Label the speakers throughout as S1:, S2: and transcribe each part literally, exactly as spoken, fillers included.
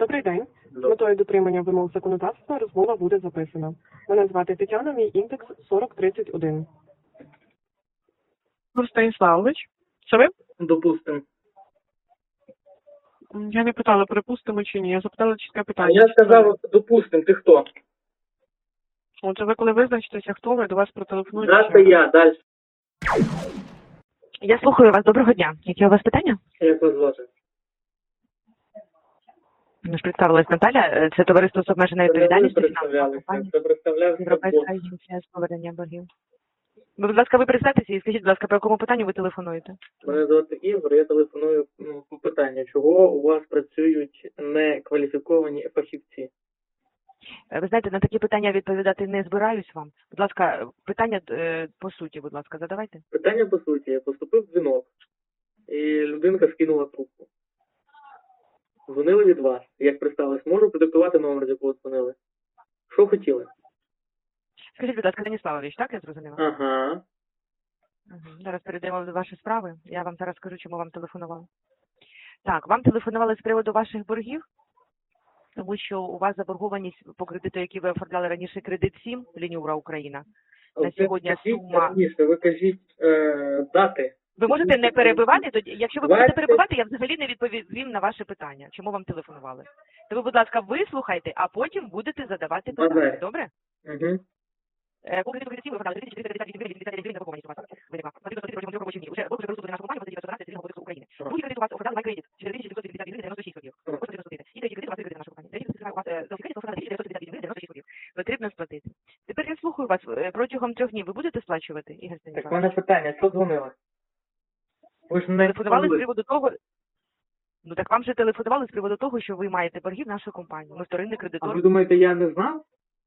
S1: Добрий день. З метою дотримання вимог законодавства розмова буде записана. Мене звати Тетяна, мій індекс сорок тридцять один.
S2: Станіславович, це ви?
S3: Допустим.
S2: Я не питала, припустимо чи ні. Я запитала чітке
S3: А
S2: питання.
S3: я сказав, допустим, ти хто?
S2: Отже, ви коли визначитеся, хто ви, до вас протелефонують.
S3: Да, це я, далі.
S4: Я слухаю вас. Доброго дня. Які у вас питання?
S3: Як вас звати?
S4: Ми ж представилась Наталя. Це товариство з обмеженою
S3: Це не ви
S4: відповідальністю фінансова
S3: представлялися,
S4: компанія
S3: це представлявся
S4: Європейська
S3: бот.
S4: агенція з повернення боргів. Ви, будь ласка, ви представтеся і скажіть, будь ласка, по якому питанню ви телефонуєте?
S3: Мене звати Ігор, я телефоную ну, по питанню, чого у вас працюють некваліфіковані фахівці?
S4: Ви знаєте, на такі питання відповідати не збираюсь вам. Будь ласка, питання е, по суті, будь ласка, задавайте.
S3: Питання по суті, поступив дзвінок, і людинка скинула трубку. Дзвонили від вас, як представились, можу продиктувати номер, з якого дзвонили? Що хотіли?
S4: Скажіть, будь ласка, Станіславович, так я зрозуміла?
S3: Ага.
S4: Угу. Зараз перейдемо до вашої справи. Я вам зараз скажу, чому вам телефонували. Так, вам телефонували з приводу ваших боргів, тому що у вас заборгованість по кредиту, який ви оформляли раніше, кредит сім, Лінюра Україна. На сьогодні сума...
S3: Раніше, ви кажіть е, дати.
S4: Ви можете не перебивати, тоді, якщо ви будете перебивати, я взагалі не відповім на ваше питання, чому вам телефонували. То ви, будь ласка, вислухайте, а потім будете задавати питання,
S3: Бажаю.
S4: добре?
S3: Угу.
S4: Е, По кредиту кредитів ви оформляли три тисячі чотириста п'ятдесят гривень, вісімдесят гривень заборгованість у вас виникла. Потрібно платити протягом трьох робочих днів. Уже ви вже розсудили нашу компанію, ви одразу Цивільного кодексу України. Другий кредит у вас оформляли MyCredit, чотири тисячі дев'ятсот п'ятдесят гривень, дев'яносто шість копійок. Ось потрібно сплатити. І третій кредит у вас кредит нашу компанію. Третій кредит у вас за кредит оформляли тисячу дев'ятсот п'ятдесят гривень, дев'яносто шість копійок. Потрібно сплатити. Тепер я слухаю вас. Е, Протягом трьох днів ви будете сплачувати, Ігор
S3: Так в
S4: Станіславович?
S3: мене питання, що дзвонили? Ви ж не
S4: Телефонували з
S3: дзвонили.
S4: приводу того, ну так вам же телефонували з приводу того, що ви маєте боргів нашої компанії. Ми вторинний
S3: А
S4: кредитор.
S3: ви думаєте, я не знав?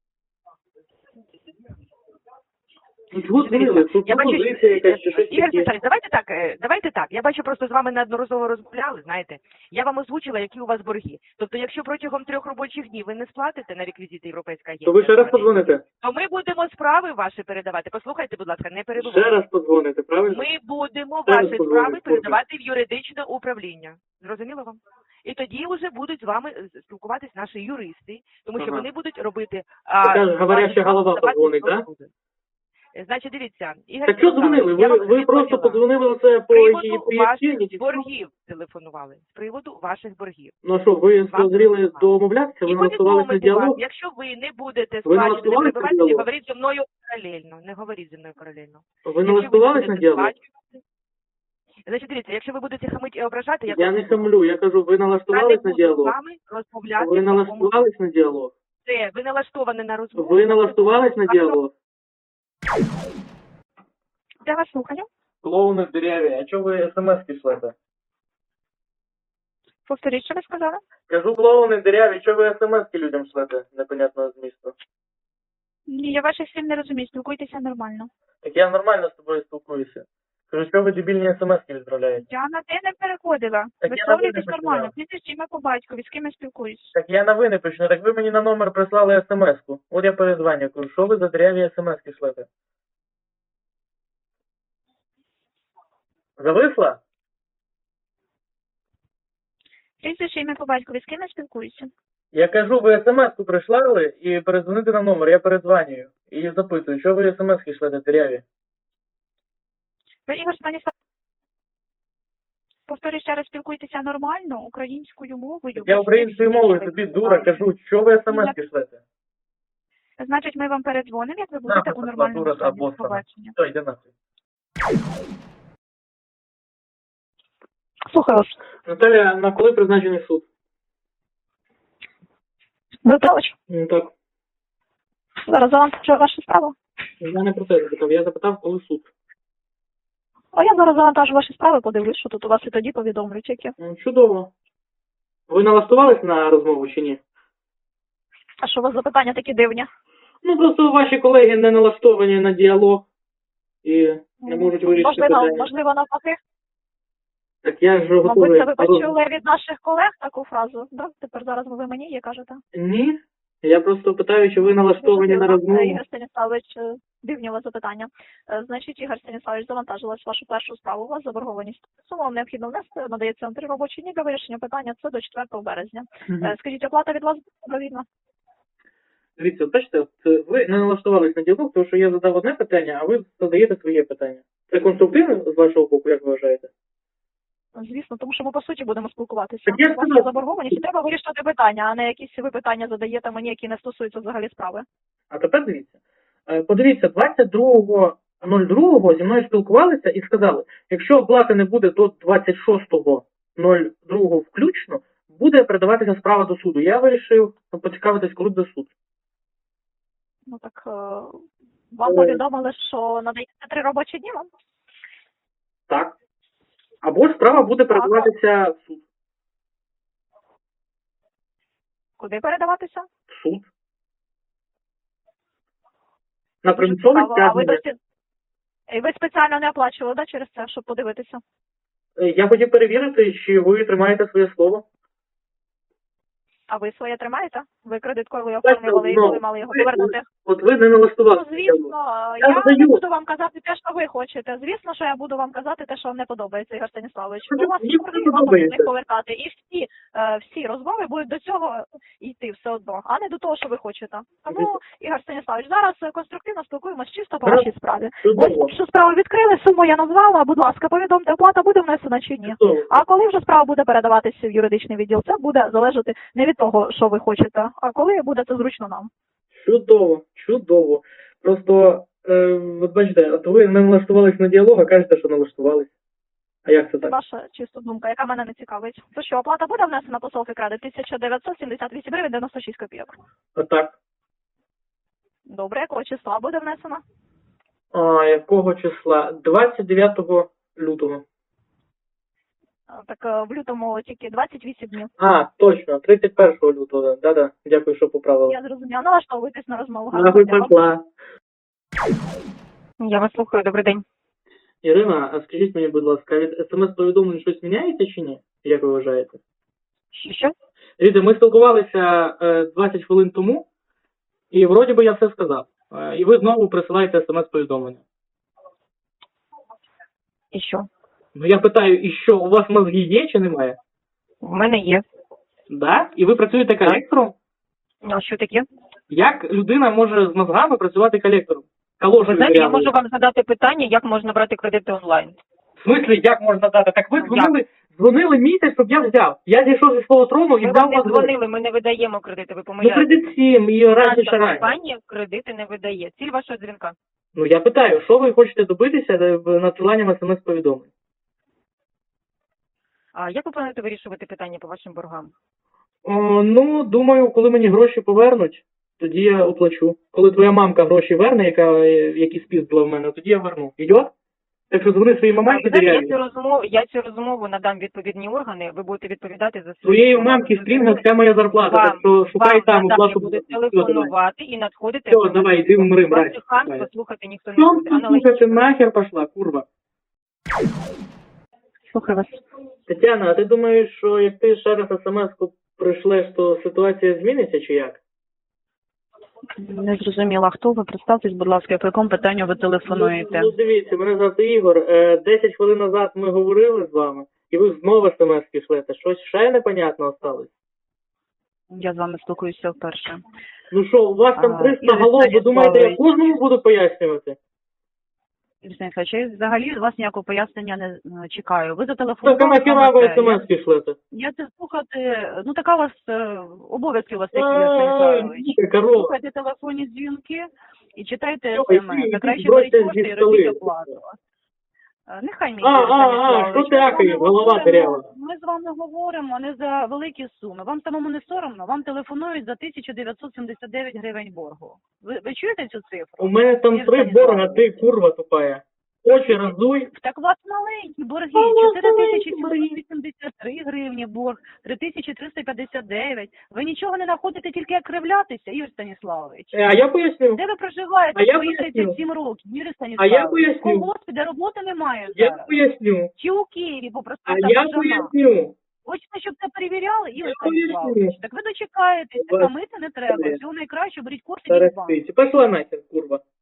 S3: Ну, чого дзвонили? Тут
S4: Я бачу,
S3: пропозиція якась чи щось
S4: Ігор
S3: таке.
S4: Степанович, давайте так, е, давайте так. Я бачу, просто з вами неодноразово розмовляли, знаєте. Я вам озвучила, які у вас борги. Тобто, якщо протягом трьох робочих днів ви не сплатите на реквізити Європейська агенція,
S3: То ви ще раз подзвоните?
S4: то ми будемо справи ваші передавати. Послухайте, будь ласка, не
S3: Ще
S4: перебувайте.
S3: раз подзвоните, правильно?
S4: Ми будемо
S3: Ще раз
S4: ваші
S3: подзвоню,
S4: справи
S3: слухаю.
S4: передавати в юридичне управління. Зрозуміло вам? І тоді вже будуть з вами е, спілкуватись наші юристи, тому що
S3: Ага.
S4: вони будуть робити...
S3: Така ж говоряща
S4: ваші справи
S3: голова
S4: подавати
S3: подзвонить,
S4: до
S3: да?
S4: суду. Е, Значить, дивіться, Ігор
S3: Так що дзвонили?
S4: я
S3: Ви,
S4: вам
S3: ви
S4: відповіла.
S3: просто подзвонили оце
S4: З
S3: по
S4: приводу
S3: її
S4: ваших
S3: причині? чи що?
S4: боргів телефонували. З приводу ваших боргів.
S3: Ну а що, ви
S4: Вам
S3: зріли
S4: телефонували.
S3: домовлятися? Ви
S4: І
S3: налаштувалися на
S4: повідомити вас,
S3: діалог?
S4: якщо ви не будете
S3: Ви
S4: сплачувати, не
S3: налаштувалися на
S4: перебивати, не
S3: діалог?
S4: говоріть зі мною паралельно. Не говоріть зі мною паралельно.
S3: Ви
S4: Якщо
S3: налаштувалися
S4: не
S3: на
S4: будете
S3: діалог?
S4: сплачувати- Значить, дивіться, якщо ви будете хамити і ображати, я,
S3: Я не хамлю, я кажу, ви
S4: я не
S3: налаштувались на
S4: буду з
S3: діалог?
S4: вами розмовляти.
S3: Ви
S4: в такому
S3: налаштувались на діалог?
S4: Це, ви налаштовані на розмову.
S3: Ви налаштувались на діалог?
S4: Я вас слухаю.
S3: Клоуни в дереві, а чого ви смс-ки шлете?
S4: Повторіть, що ви сказали?
S3: Кажу, клоуни в дереві, чого ви смс-ки людям шлете непонятного змісту?
S5: Ні, я ваших слів не розумію, спілкуйтеся нормально.
S3: Так я нормально з тобою спілкуюся. Кажу, що ви дебільні смс-ки відправляєте?
S5: Я на те не переходила.
S3: Так я
S5: Висловлюйтесь
S3: на ви не
S5: нормально.
S3: починав.
S5: Прізвище ім'я по батькові, з ким я спілкуюсь.
S3: Так я на ви не почну, так ви мені на номер прислали смс-ку. От я перезвоню, кажу, що ви за дереві смс-ки шлете? Зависла?
S5: Прізвище ім'я по батькові, з ким я спілкуюся.
S3: Я кажу, ви смс-ку прислали і передзвонити на номер, я передзвонюю. І запитую, що ви смс-ки шлете дереві?
S5: Ви, Ігор Станіслав, повторюю ще раз, спілкуйтеся нормально, українською мовою.
S3: Я українською мовою тобі дура кажу, що ви смс-ки шлете?
S5: Значить, ми вам передзвонимо, як ви будете
S3: Нахуй
S5: у
S3: пішла,
S5: нормальному
S3: дура та
S5: стані. До
S3: обоссана.
S5: побачення.
S3: Все, йди нахуй.
S5: Слухаю вас.
S3: Наталя, на коли призначений суд?
S5: Михайлович,
S3: Ну так,
S5: зараз завантажу вашу справу.
S3: я не про це запитав, я запитав, коли суд.
S5: А я зараз завантажу ваші справи, подивлюсь, що тут у вас і тоді повідомлю тільки.
S3: Ну, чудово. Ви налаштувались на розмову чи ні?
S5: А що у вас за питання такі дивні?
S3: Ну, просто ваші колеги не налаштовані на діалог і не можуть вирішити
S5: Можливо,
S3: питання.
S5: можливо, навпаки.
S3: Так я ж
S5: Мабуть,
S3: готовий.
S5: це ви почули від наших колег таку фразу, да? Тепер зараз ви мені її кажете.
S3: Ні. Я просто питаю, чи ви налаштовані на розмову.
S5: Ігор Станіславович, е, дивні у вас запитання. Е, Значить, Ігор Станіславович, завантажилась вашу першу справу. У вас заборгованість. Суму вам необхідно внести, надається вам три робочі дні для вирішення питання. Це до четвертого березня.
S3: Мгм.
S5: Е, Скажіть, оплата від вас добровільна?
S3: Дивіться, от бачите, от ви не налаштувались на діалог, тому що я задав одне питання, а ви задаєте своє питання. Це конструктивно з вашого боку, як ви вважаєте?
S5: Звісно, тому що ми по суті будемо спілкуватися.
S3: Так я
S5: У вас
S3: сказав.
S5: є заборгованість, і треба вирішувати питання, а не якісь ви питання задаєте мені, які не стосуються взагалі справи.
S3: А тепер дивіться. Е, Подивіться, двадцять другого другого зі мною спілкувалися і сказали, якщо оплати не буде до двадцять шостого другого включно, буде передаватися справа до суду. Я вирішив поцікавитись, коли буде суд.
S5: Ну так е, вам
S3: Е.
S5: повідомили, що надається три робочі дні вам?
S3: Так. Або ж справа буде передаватися в суд.
S5: Куди передаватися?
S3: В суд. На
S5: Дуже
S3: примусове
S5: цікаво. А ви
S3: стягнення.
S5: досі і ви спеціально не оплачували, да, через це, щоб подивитися?
S3: Е, Я хотів перевірити, чи ви тримаєте своє слово.
S5: А ви своє тримаєте? Ви кредиткою
S3: Так,
S5: оформлювали і
S3: ну,
S5: коли мали його
S3: ви-
S5: повернути?
S3: От ви не
S5: Ну,
S3: налаштувалися.
S5: звісно,
S3: Я
S5: я не
S3: задаю.
S5: буду вам казати те, що ви хочете. Звісно, що я буду вам казати те, що вам не подобається, Ігор Станіславович.
S3: Ну,
S5: У вас
S3: мені
S5: борги,
S3: не
S5: вам
S3: подобається.
S5: потрібно їх повертати. І всі, е, всі розмови будуть до цього йти все одно, а не до того, що ви хочете. Тому, Ігор Станіславович, зараз е, конструктивно спілкуємося чисто по
S3: Гаразд.
S5: вашій справі.
S3: Чудово.
S5: Ось що справу відкрили, суму я назвала, будь ласка, повідомте, оплата буде внесена чи ні.
S3: Чудово.
S5: А коли вже справа буде передаватися в юридичний відділ, це буде залежати не від того, що ви хочете, а коли буде це зручно нам.
S3: Чудово, чудово. Просто, е, от бачите, от ви не налаштувались на діалог, а кажете, що налаштувались. А як це
S5: Це
S3: так?
S5: ваша чиста думка, яка мене не цікавить. То що, оплата буде внесена по Софікради тисяча дев'ятсот сімдесят вісім гривень дев'яносто шість копійок.
S3: А так.
S5: Добре, якого числа буде внесена?
S3: А, якого числа? двадцять дев'ятого лютого.
S5: А, Так е, в лютому тільки двадцять вісім днів.
S3: А, точно, тридцять першого лютого. Да-да, дякую, що поправили.
S5: Я зрозуміла. Налаштовуйтесь на розмову.
S3: Нахуй
S5: Гарного дня вам.
S3: пошла.
S2: Я вас слухаю, добрий день.
S3: Ірина, а скажіть мені, будь ласка, від смс-повідомлень щось міняється чи ні? Як ви вважаєте?
S2: Що? що?
S3: Дивіться, ми спілкувалися е, двадцять хвилин тому, і вроді би я все сказав. Е, і ви знову присилаєте смс-повідомлення.
S2: І що?
S3: Ну я питаю, і що, у вас мозги є чи немає?
S2: В мене є.
S3: Да? І ви працюєте колектором?
S2: А що таке?
S3: Як людина може з мозгами працювати колектором? Калошею
S2: Ви знаєте, я
S3: дырявою.
S2: можу вам задати питання, як можна брати кредити онлайн.
S3: В смислі, як можна дати? Так ви
S2: Як?
S3: дзвонили, дзвонили місяць, щоб я взяв. Я зійшов зі свого трону і
S2: Ми
S3: взяв
S2: вам не
S3: вас.
S2: дзвонили, ми не видаємо кредити, ви
S3: Ну,
S2: помиляєтесь.
S3: кредит сім і раніше
S2: Наша
S3: раніше.
S2: компанія кредити не видає. Ціль вашого дзвінка.
S3: Ну я питаю, що ви хочете добитися е, в- надсиланням смс-повідомлень?
S2: А як ви плануєте вирішувати питання по вашим боргам?
S3: О, ну, думаю, коли мені гроші повернуть, тоді я оплачу. Коли твоя мамка гроші верне, яка, е, які спіздила в мене, тоді я верну. Ідет? Так що дзвони своїй
S2: А,
S3: мамці
S2: ви знаєте, я
S3: диряві.
S2: цю розмову, я цю розмову надам відповідні органи, ви будете відповідати за свої
S3: Своєї
S2: слова.
S3: мамки стрінга вся моя зарплата,
S2: Вам-
S3: так що шукай
S2: Вам
S3: там
S2: надалі
S3: оплату.
S2: будуть
S3: Все, давай.
S2: телефонувати і надходити.
S3: Все, давай, йди вмри, мразь.
S2: Ваших хамств
S3: Давай.
S2: послухати ніхто не
S3: Що
S2: буде.
S3: ти, сука, ти
S2: Аналогічно.
S3: нахер пошла, курва?
S2: Слухаю вас.
S3: Тетяна, а ти думаєш, що як ти ще раз смс-ку прийшлеш, то ситуація зміниться чи як?
S6: Не зрозуміла, хто ви? Представтесь, будь ласка, по якому питанню ви телефонуєте?
S3: Ну, ну дивіться, мене звати Ігор. Е, Десять хвилин назад ми говорили з вами, і ви знову смс-ки шлете. Щось ще непонятно осталось?
S6: Я з вами спілкуюся вперше.
S3: Ну що, у вас там
S6: А,
S3: триста
S6: Ігор
S3: голов, ви думаєте, я
S6: Станіславович.
S3: кожному буду пояснювати?
S6: Юрій Станіславович, я взагалі від вас ніякого пояснення не е, чекаю. Ви
S3: Так, а
S6: зателефонували.
S3: нахіра ви
S6: саме це. Я-
S3: смс-ки шлете?
S6: Я це слухати, ну така у вас е, обов'язки у вас такі, Юрій
S3: Ай,
S6: Станіславович.
S3: діка корова.
S6: Слухайте телефонні дзвінки і читайте
S3: Йой,
S6: смс.
S3: ти,
S6: Та краще
S3: бросьте
S6: беріть кошти
S3: зі
S6: і робіть
S3: столи.
S6: оплату. Е, Нехай мені,
S3: А,
S6: Юрій
S3: а, а,
S6: Станіславович,
S3: що ти
S6: ми з вами
S3: акаєш, голова
S6: говоримо-
S3: дырява?
S6: Ми з вами говоримо не за великі суми. Вам самому не соромно? Вам телефонують за тисячу дев'ятсот сімдесят дев'ять гривень боргу. Ви, ви чуєте цю цифру?
S3: У мене там
S6: Ігор
S3: три
S6: Станіславович.
S3: борга, ти курва тупая. Очі роздуй.
S6: Так у вас маленькі борги,
S3: А у вас
S6: чотири тисячі
S3: маленькі борги.
S6: сімсот вісімдесят три гривні борг, три тисячі триста п'ятдесят дев'ять. Ви нічого не знаходите, тільки як кривлятися, Ігор Станіславович.
S3: Е, А я поясню.
S6: Де ви проживаєте
S3: А я
S6: свої
S3: поясню.
S6: тридцять сім років, Юрій
S3: А
S6: Станіславович?
S3: я поясню.
S6: В колгоспі, де роботи немає
S3: Я
S6: зараз.
S3: поясню.
S6: Чи у Києві
S3: А
S6: попросту
S3: я поясню.
S6: Хочете, щоб це перевіряли і
S3: Я
S6: лише
S3: повірю.
S6: Так ви дочекаєтесь,
S3: Вас-
S6: а мити не треба.
S3: Добре.
S6: Всього найкраще, беріть кошти
S3: Зараз
S6: від банку.
S3: спите. Пошла нахер, курва.